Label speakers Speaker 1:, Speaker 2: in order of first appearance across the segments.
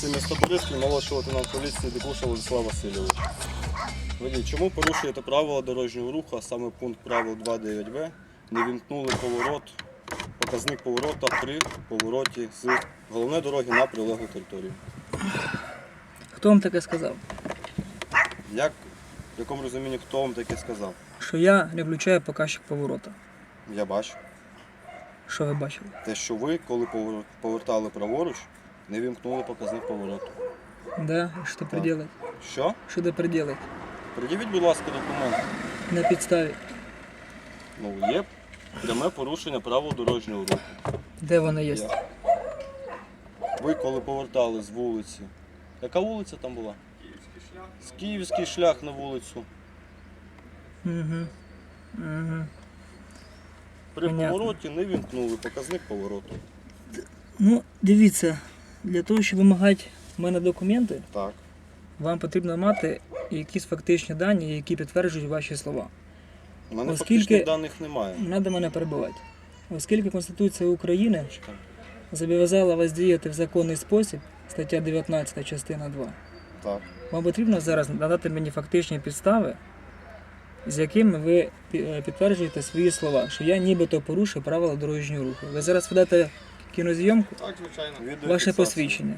Speaker 1: поліції міста Бориспіль, молодший лейтенант поліції Дикуша Владислав Васильович. Водій, чому порушуєте правила дорожнього руху, а саме пункт правил 2.9в, не вімкнули поворот, показник поворота при повороті з головної дороги на прилеглу територію?
Speaker 2: Хто вам таке сказав?
Speaker 1: Як, в якому розумінні, хто вам таке сказав?
Speaker 2: Що я не включаю показчик поворота.
Speaker 1: Я бачу.
Speaker 2: Що ви бачили?
Speaker 1: Те, що ви, коли повертали праворуч, не вімкнули показник повороту.
Speaker 2: Да? І що тепер делать?
Speaker 1: Що?
Speaker 2: Що тепер делать?
Speaker 1: Пред'явіть, будь ласка, документи.
Speaker 2: На підставі.
Speaker 1: Ну, є пряме порушення правил дорожнього руху.
Speaker 2: Де воно є?
Speaker 1: Є. Ви коли повертали з вулиці. Яка вулиця там була? Київський шлях на вулицю.
Speaker 2: Угу. Угу.
Speaker 1: При
Speaker 2: Понятно.
Speaker 1: повороті не вімкнули показник повороту.
Speaker 2: Ну, дивіться, для того, щоб вимагати в мене документи,
Speaker 1: Так.
Speaker 2: вам потрібно мати якісь фактичні дані, які підтверджують ваші слова.
Speaker 1: У мене
Speaker 2: Оскільки-
Speaker 1: фактичних даних немає.
Speaker 2: Не треба мене перебивати. Оскільки Конституція України
Speaker 1: Чекай.
Speaker 2: зобов'язала вас діяти в законний спосіб, стаття 19, частина 2,
Speaker 1: Так.
Speaker 2: вам потрібно зараз надати мені фактичні підстави, з якими ви підтверджуєте свої слова, що я нібито порушив правила дорожнього руху. Ви зараз ведете кінозйомку,
Speaker 3: Так, звичайно.
Speaker 2: ваше
Speaker 1: Відеофіксація.
Speaker 2: посвідчення.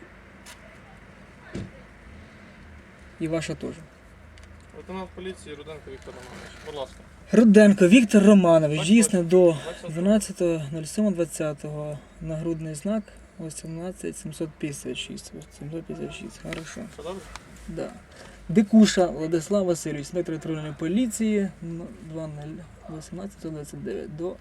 Speaker 2: І ваше теж.
Speaker 3: Лейтенант поліції Руденко Віктор Романович. Будь ласка.
Speaker 2: Руденко Віктор Романович,
Speaker 3: Так
Speaker 2: дійсно до
Speaker 3: 20.
Speaker 2: 12.07.20. Нагрудний знак 18756. 756, хорошо.
Speaker 3: Все добре?
Speaker 2: Да. Дикуша Владислав Васильович, інспектор патрульної поліції 20.18.29 до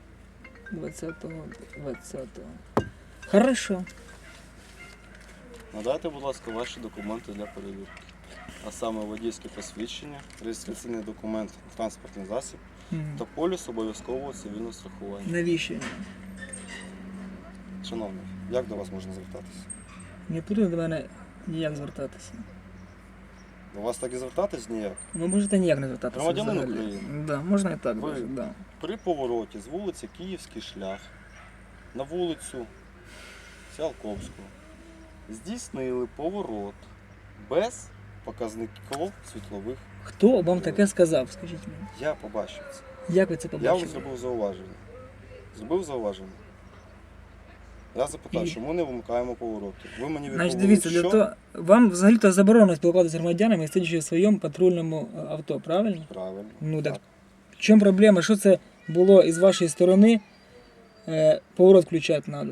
Speaker 2: 20.20. Хорошо.
Speaker 1: Надайте, будь ласка, ваші документи для перевірки. А саме водійське посвідчення, реєстраційний документ, транспортний засіб
Speaker 2: Мгм.
Speaker 1: та поліс обов'язкового цивільного страхування.
Speaker 2: Навіщо?
Speaker 1: Шановний, як до вас можна звертатися?
Speaker 2: Не потрібно до мене ніяк звертатися.
Speaker 1: До вас так і звертатись ніяк?
Speaker 2: Ви можете ніяк не звертатися.
Speaker 1: Громадянин
Speaker 2: взагалі.
Speaker 1: України.
Speaker 2: Да, можна і так.
Speaker 1: Ви-
Speaker 2: даже, да.
Speaker 1: При повороті з вулиці Київський шлях на вулицю Ціалковського здійснили поворот без показників світлових.
Speaker 2: Хто вам таке сказав, скажіть мені?
Speaker 1: Я побачив це.
Speaker 2: Як ви це
Speaker 1: Я вам
Speaker 2: побачили?
Speaker 1: зробив зауваження. Зробив зауваження. Я запитав,
Speaker 2: І?
Speaker 1: чому не вимикаємо повороти. Ви мені
Speaker 2: Значить,
Speaker 1: відповіли,
Speaker 2: дивіться,
Speaker 1: що
Speaker 2: для того, вам взагалі-то заборонено спілкуватися з громадянами, сидячи в своєму патрульному авто, правильно?
Speaker 1: правильно.
Speaker 2: Ну так. В чому проблема? Що це було із вашої сторони? Поворот включати треба.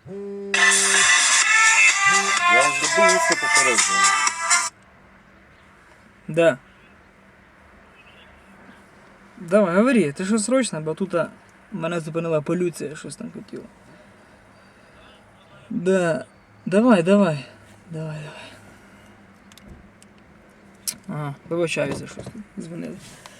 Speaker 1: Я вам зробив усне попередження.
Speaker 2: Да. Давай, говори, ти що срочно, бо тут мене зупинила поліція, щось там хотіла. Да. Давай. Ага, вибачаюся, щось тут дзвонили.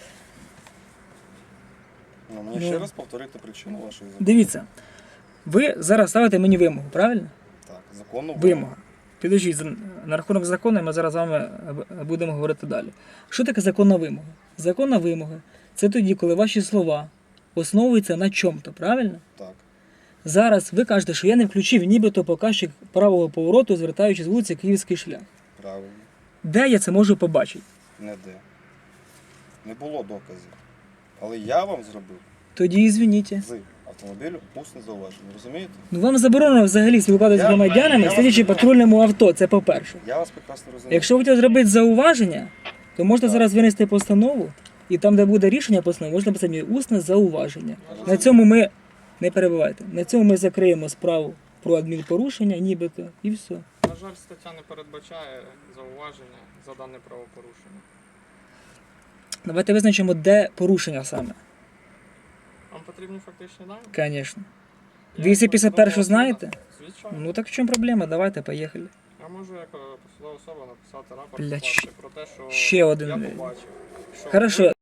Speaker 1: Ну, мені
Speaker 2: Ну.
Speaker 1: ще раз повторити причину вашої запитання.
Speaker 2: Дивіться, ви зараз ставите мені вимогу, правильно?
Speaker 1: Так, законну
Speaker 2: Вимога. Підождіть, на рахунок закону ми зараз з вами будемо говорити далі. Що таке законна вимога? Законна вимога – це тоді, коли ваші слова основуються на чому-то, правильно?
Speaker 1: Так.
Speaker 2: Зараз ви кажете, що я не включив нібито показчик правого повороту, звертаючись з вулиці Київський шлях.
Speaker 1: Правильно.
Speaker 2: Де я це можу побачити?
Speaker 1: Не де. Не було доказів. Але я вам зробив
Speaker 2: Тоді ізвініть.
Speaker 1: з автомобілю усне зауваження. Розумієте?
Speaker 2: Ну вам заборонено взагалі спілкуватися з
Speaker 1: Я
Speaker 2: громадянами,
Speaker 1: вас
Speaker 2: сидячи в
Speaker 1: розумію.
Speaker 2: патрульному авто, це по-перше.
Speaker 1: Я вас прекрасно розумію.
Speaker 2: Якщо ви хочете зробити зауваження, то можете
Speaker 1: Так.
Speaker 2: зараз винести постанову, і там, де буде рішення постанови, можна написати мені усне зауваження.
Speaker 1: Розумію.
Speaker 2: На цьому ми, не перебивайте, на цьому ми закриємо справу про адмінпорушення, нібито, і все.
Speaker 3: На жаль, стаття не передбачає зауваження за дане правопорушення.
Speaker 2: Давайте визначимо, де порушення саме.
Speaker 3: Вам потрібні фактичні дані?
Speaker 2: Звісно.
Speaker 3: Я
Speaker 2: 251
Speaker 3: посадова
Speaker 2: знаєте?
Speaker 3: особа. Звичайно.
Speaker 2: Ну так в чому проблема? Давайте, поїхали.
Speaker 3: Я можу як посадова особа написати рапорт
Speaker 2: Блядь,
Speaker 3: скласти про те, що
Speaker 2: ще один,
Speaker 3: я
Speaker 2: блядь.
Speaker 3: побачив. Що
Speaker 2: Хорошо,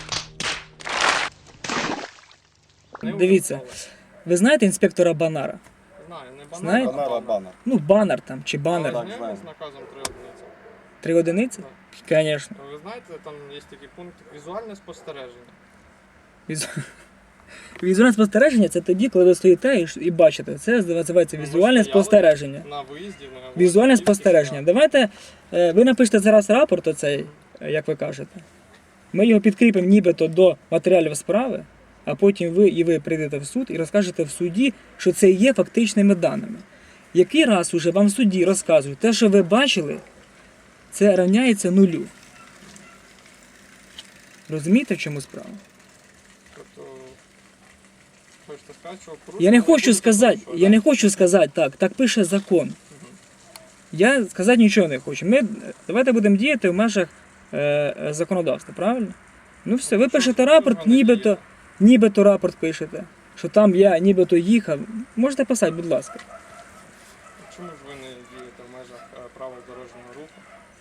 Speaker 3: ви не
Speaker 2: дивіться.
Speaker 3: увімкнули.
Speaker 2: ви знаєте інспектора Банара?
Speaker 3: Знаю, не банер,
Speaker 2: Знаєте?
Speaker 3: а
Speaker 1: Банар,
Speaker 3: банер.
Speaker 1: банар.
Speaker 2: Ну, банер там, чи банер.
Speaker 1: Так,
Speaker 3: Але
Speaker 1: знаю.
Speaker 3: з наказом 3 одиниці.
Speaker 2: 3 одиниці? Звісно.
Speaker 3: Ви знаєте, там є такий пункт візуальне спостереження.
Speaker 2: Візуальне спостереження це тоді, коли ви стоїте і бачите. Це називається
Speaker 3: Ну, ви
Speaker 2: візуальне
Speaker 3: стояли
Speaker 2: спостереження.
Speaker 3: На виїзді,
Speaker 2: Візуальне спостереження. Давайте ви напишете зараз рапорт оцей, як ви кажете. Ми його підкріпимо нібито до матеріалів справи, а потім ви прийдете в суд і розкажете в суді, що це є фактичними даними. Який раз уже вам в суді розказують, те, що ви бачили, це рівняється нулю. Розумієте, в чому справа?
Speaker 3: Тобто, хочете сказати, що
Speaker 2: Я не хочу
Speaker 3: порушення
Speaker 2: сказати,
Speaker 3: порушує,
Speaker 2: я
Speaker 3: да?
Speaker 2: не хочу сказати так пише закон. Я сказати нічого не хочу. Давайте будемо діяти в межах законодавства, правильно? Ну все, ви
Speaker 3: Що
Speaker 2: пишете
Speaker 3: ж
Speaker 2: рапорт,
Speaker 3: ви не дієте?
Speaker 2: нібито рапорт пишете, що там я нібито їхав. Можете писати, будь ласка.
Speaker 3: Чому ж ви не дієте в межах правил дорожнього руху?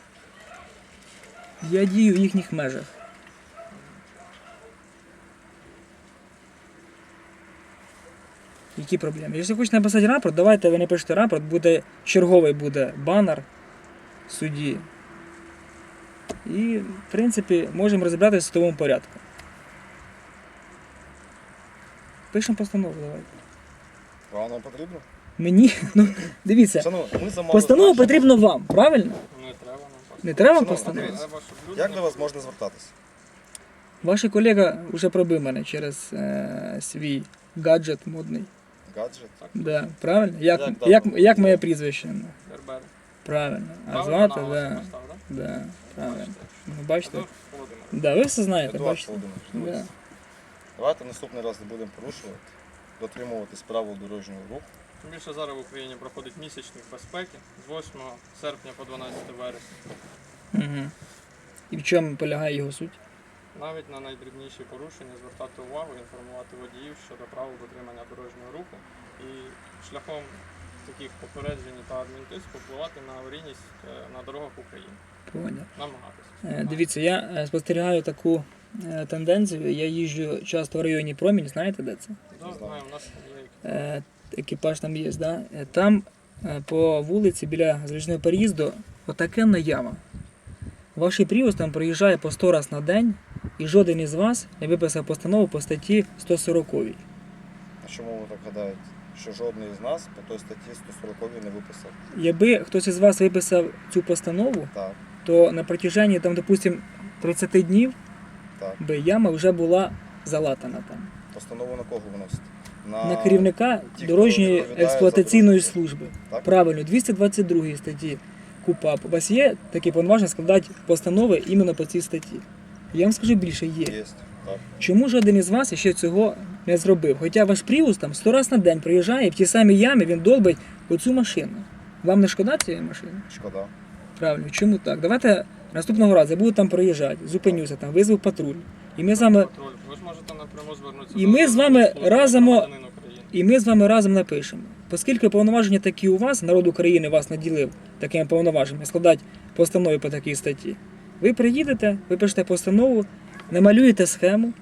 Speaker 2: Я дію в їхніх межах. Які проблеми? Якщо хочете написати рапорт, давайте ви напишете рапорт, черговий буде банер в суді. І, в принципі, можемо розібратися в судовому порядку. Пишемо постанову, давайте.
Speaker 4: Вам нам потрібно?
Speaker 2: Мені, дивіться,
Speaker 4: Шановні, ми замовили
Speaker 2: постанову
Speaker 4: вашу-
Speaker 2: потрібно вам, правильно?
Speaker 3: Не треба нам просто.
Speaker 2: Не треба вам
Speaker 4: Шановна,
Speaker 2: постанову?
Speaker 4: дивіться.
Speaker 3: Треба, щоб люди
Speaker 4: Як
Speaker 3: не
Speaker 4: до вас можна звертатися?
Speaker 2: Ваш колега вже пробив мене через свій гаджет модний.
Speaker 4: Гаджет?
Speaker 2: Да, правильно? Як
Speaker 4: Як
Speaker 2: як моє прізвище?
Speaker 3: Бербери.
Speaker 2: Правильно. А
Speaker 3: Правильно
Speaker 2: звати,
Speaker 3: на вас
Speaker 2: да.
Speaker 3: постав, да?
Speaker 2: Да, правильно.
Speaker 3: Бачите.
Speaker 2: Ну, бачите?
Speaker 3: Едуард Володимирович.
Speaker 2: Да, ви все знаєте,
Speaker 4: Едуард
Speaker 2: бачите?
Speaker 4: Володимирович,
Speaker 2: Да.
Speaker 4: дивіться. Давайте наступний раз не будемо порушувати, дотримуватись правил дорожнього руху.
Speaker 3: Тим більше зараз в Україні проходить місячник безпеки з 8 серпня по 12 вересня.
Speaker 2: Угу. І в чому полягає його суть?
Speaker 3: Навіть на найдрібніші порушення звертати увагу, інформувати водіїв щодо правил дотримання дорожнього руху і шляхом таких попереджень та адмінтиску впливати на аварійність на дорогах України.
Speaker 2: Поняв.
Speaker 3: Намагатися.
Speaker 2: Дивіться, я спостерігаю таку тенденцію. Я їжджу часто в районі Промінь, знаєте де це?
Speaker 3: Да, знаю, у нас є
Speaker 2: Екіпаж там є, да? Там по вулиці біля залізничного переїзду отакенна яма. Ваш Prius там проїжджає по 100 разів на день, і жоден із вас не виписав постанову по статті 140.
Speaker 4: А чому ви так гадаєте? Що жодний із нас по той статті 140 не виписав?
Speaker 2: Якби хтось із вас виписав цю постанову,
Speaker 4: Так,
Speaker 2: то на протяженні, там, допустим, 30 днів
Speaker 4: так.
Speaker 2: би яма вже була залатана там.
Speaker 4: Постанову на кого виносите?
Speaker 2: На керівника
Speaker 4: ті, хто
Speaker 2: дорожньої
Speaker 4: відповідає за
Speaker 2: експлуатаційної
Speaker 4: дорожній
Speaker 2: служби.
Speaker 4: Так?
Speaker 2: Правильно, 222 статті КУПАП. У вас є такі повноваження складати постанови іменно по цій статті? Я вам скажу більше, є.
Speaker 4: Є. Так.
Speaker 2: Чому жоден із вас ще цього не зробив? Хоча ваш Prius там 100 разів на день приїжджає, і в ті самі ями він долбить оцю машину. Вам не шкода цієї машини?
Speaker 4: Шкода.
Speaker 2: Правильно, чому так? Давайте наступного разу я буду там проїжджати, зупинюся там, визву патруль. І ми з вами,
Speaker 3: патруль. Ви ж можете напряму звернутися
Speaker 2: І
Speaker 3: до
Speaker 2: ми з вами
Speaker 3: служби
Speaker 2: разом-
Speaker 3: громадянина України.
Speaker 2: і ми з вами разом напишемо. Оскільки повноваження такі у вас, народ України вас наділив такими повноваженнями, складати постанови по такій статті. Ви приїдете, ви пишете постанову, намалюєте схему,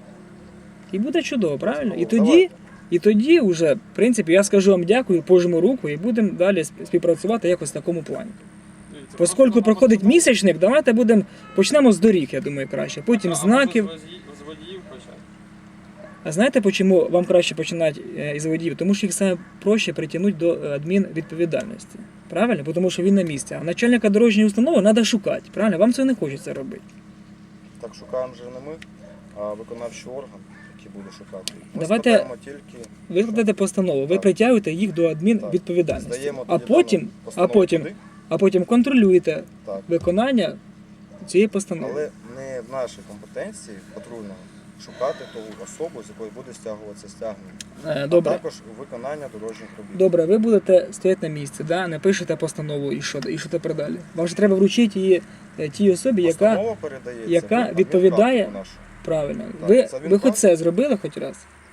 Speaker 2: і буде чудово, правильно?
Speaker 4: Постанову,
Speaker 2: І тоді вже, в принципі, я скажу вам дякую, пожму руку і будемо далі співпрацювати якось в такому плані.
Speaker 3: Дивіться,
Speaker 2: Поскольку
Speaker 3: просто
Speaker 2: проходить
Speaker 3: нам
Speaker 2: місячник, давайте почнемо з доріг, я думаю, краще. Потім
Speaker 3: або
Speaker 2: знаків.
Speaker 3: з водіїв почати.
Speaker 2: А знаєте, чому вам краще починати із водіїв? Тому що їх саме проще притягнути до адмінвідповідальності. Правильно? Тому що він на місці. А начальника дорожньої установи треба шукати. Правильно? Вам цього не хочеться робити.
Speaker 4: Так шукаємо вже не ми, а виконавчий орган, який буде шукати. Ми
Speaker 2: Давайте-
Speaker 4: складаємо тільки
Speaker 2: Ви складаєте постанову, ви
Speaker 4: Так.
Speaker 2: притягуєте їх до адмінвідповідальності.
Speaker 4: здаємо
Speaker 2: А
Speaker 4: тоді
Speaker 2: потім,
Speaker 4: дану
Speaker 2: а
Speaker 4: постанову
Speaker 2: потім,
Speaker 4: туди.
Speaker 2: а потім контролюєте
Speaker 4: Так.
Speaker 2: виконання цієї постанови.
Speaker 4: Але не в нашій компетенції патрульного шукати ту особу, з якої буде стягуватися стягнення. А
Speaker 2: Добре.
Speaker 4: також виконання дорожніх робіт.
Speaker 2: Добре, ви будете стояти на місці, да? Не пишете постанову і що тепер далі. Вам же треба вручити її тій особі, яка
Speaker 4: Постанова передається
Speaker 2: яка
Speaker 4: в адмінпрактику
Speaker 2: відповідає-
Speaker 4: нашу.
Speaker 2: правильно.
Speaker 4: Так, це він
Speaker 2: Ви хоч
Speaker 4: так?
Speaker 2: це зробили хоч раз?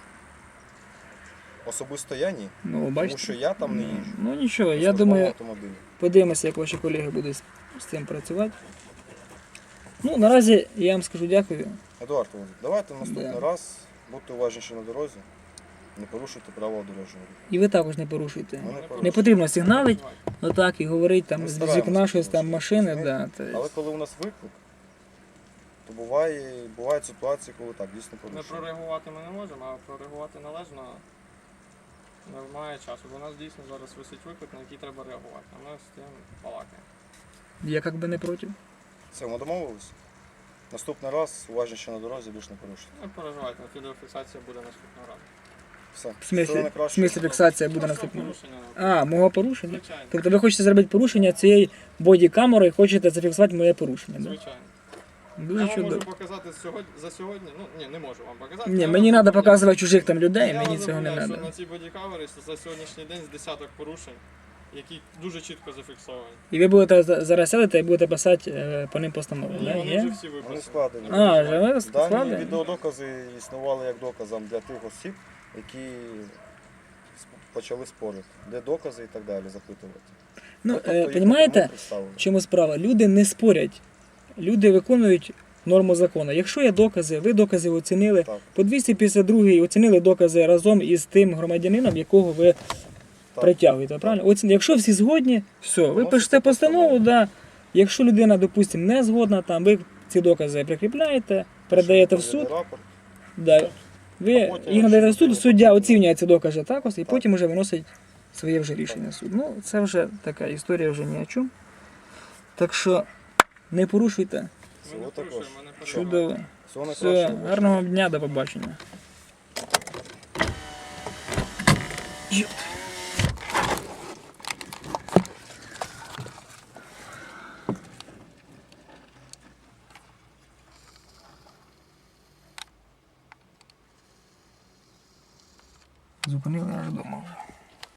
Speaker 4: Особисто я ні,
Speaker 2: Ну,
Speaker 4: тому
Speaker 2: бачите.
Speaker 4: що я там не їжджу.
Speaker 2: Ну нічого,
Speaker 4: на
Speaker 2: я
Speaker 4: службовому
Speaker 2: думаю,
Speaker 4: автомобілі.
Speaker 2: подивимося, як ваші колеги будуть з цим працювати. Ну, наразі я вам скажу дякую.
Speaker 4: Едуард Володимирович, давайте наступний
Speaker 2: Да.
Speaker 4: раз будьте уважніші на дорозі, не порушуйте правила дорожнього руху.
Speaker 2: І ви також не порушуйте.
Speaker 4: Ми не
Speaker 2: Не
Speaker 4: порушуємо.
Speaker 2: потрібно сигналити, отак і говорити там
Speaker 4: Ми
Speaker 2: з
Speaker 4: стараємося
Speaker 2: вікна щось там
Speaker 4: порушувати,
Speaker 2: машини.
Speaker 4: розумієте?
Speaker 2: Да, то
Speaker 4: Але коли у нас виклик, то бувають ситуації, коли так, дійсно
Speaker 3: Не
Speaker 4: порушує.
Speaker 3: прореагувати ми не можемо, а прореагувати належно немає часу. Бо у нас дійсно зараз висить виклик, на який треба реагувати. А ми з тим балакаємо.
Speaker 2: Я як би не проти.
Speaker 4: Все, ми домовились? Наступний раз уважніше на дорозі, більше не порушуйте.
Speaker 3: Не переживайте, відеофіксація буде наступного разу.
Speaker 4: Все.
Speaker 2: В смислі,
Speaker 4: Всього
Speaker 2: в
Speaker 4: найкращого.
Speaker 2: смислі фіксація буде
Speaker 3: Просто
Speaker 2: наступною.
Speaker 3: порушення.
Speaker 2: А, мого порушення?
Speaker 3: Звичайно.
Speaker 2: Тобто ви хочете зробити порушення цієї бодікамери і хочете зафіксувати моє порушення, так?
Speaker 3: Звичайно.
Speaker 2: Дуже
Speaker 3: Я вам можу
Speaker 2: чудово.
Speaker 3: показати за сьогодні. Ну, ні, не можу вам показати.
Speaker 2: Ні,
Speaker 3: Я
Speaker 2: мені
Speaker 3: вам
Speaker 2: треба
Speaker 3: запевняю-
Speaker 2: показувати чужих там людей,
Speaker 3: Я
Speaker 2: мені
Speaker 3: вам
Speaker 2: цього не
Speaker 3: запевняю,
Speaker 2: треба.
Speaker 3: що на цій бодікамері за сьогоднішній день з десяток порушень, які дуже чітко зафіксовані.
Speaker 2: І ви будете зараз сядете і будете писати по ним постанову,
Speaker 3: Ні,
Speaker 2: так?
Speaker 3: вони вже
Speaker 2: Є?
Speaker 3: всі
Speaker 4: Вони
Speaker 3: виписані.
Speaker 4: складені.
Speaker 3: Не
Speaker 2: А,
Speaker 3: переживайте.
Speaker 2: вже ви
Speaker 4: Дані
Speaker 2: складені?
Speaker 4: відеодокази існували як доказом для тих осіб, які почали спорити. Де докази і так далі запитувати.
Speaker 2: Ну,
Speaker 4: Тобто їх
Speaker 2: розумієте,
Speaker 4: напряму представили.
Speaker 2: в чому справа? Люди не спорять. Люди виконують норму закону. Якщо є докази, ви докази оцінили.
Speaker 4: Так.
Speaker 2: По 252 оцінили докази разом із тим громадянином, якого ви
Speaker 4: Так.
Speaker 2: притягуєте. Правильно? Якщо всі згодні, все, ви
Speaker 4: Вносите
Speaker 2: пишете постанову,
Speaker 4: постанову.
Speaker 2: да. Якщо людина, допустимо, не згодна, там, ви ці докази прикріпляєте, передаєте в суд,
Speaker 4: Рапорт.
Speaker 2: да. ви
Speaker 4: А потім,
Speaker 2: їх надаєте в
Speaker 4: якщо
Speaker 2: суд, суддя
Speaker 4: потрібно.
Speaker 2: оцінює ці докази також, і
Speaker 4: Так.
Speaker 2: потім вже виносить своє вже рішення суд. Ну, це вже така історія вже ні о чому. Так що не порушуйте.
Speaker 3: Ми
Speaker 4: Всього
Speaker 3: не
Speaker 4: також.
Speaker 3: порушуємо, ми не переживаємо.
Speaker 2: Чудово.
Speaker 4: Всього
Speaker 2: Все,
Speaker 4: найкращого.
Speaker 2: гарного вам дня, до побачення. Зупинили аж дома.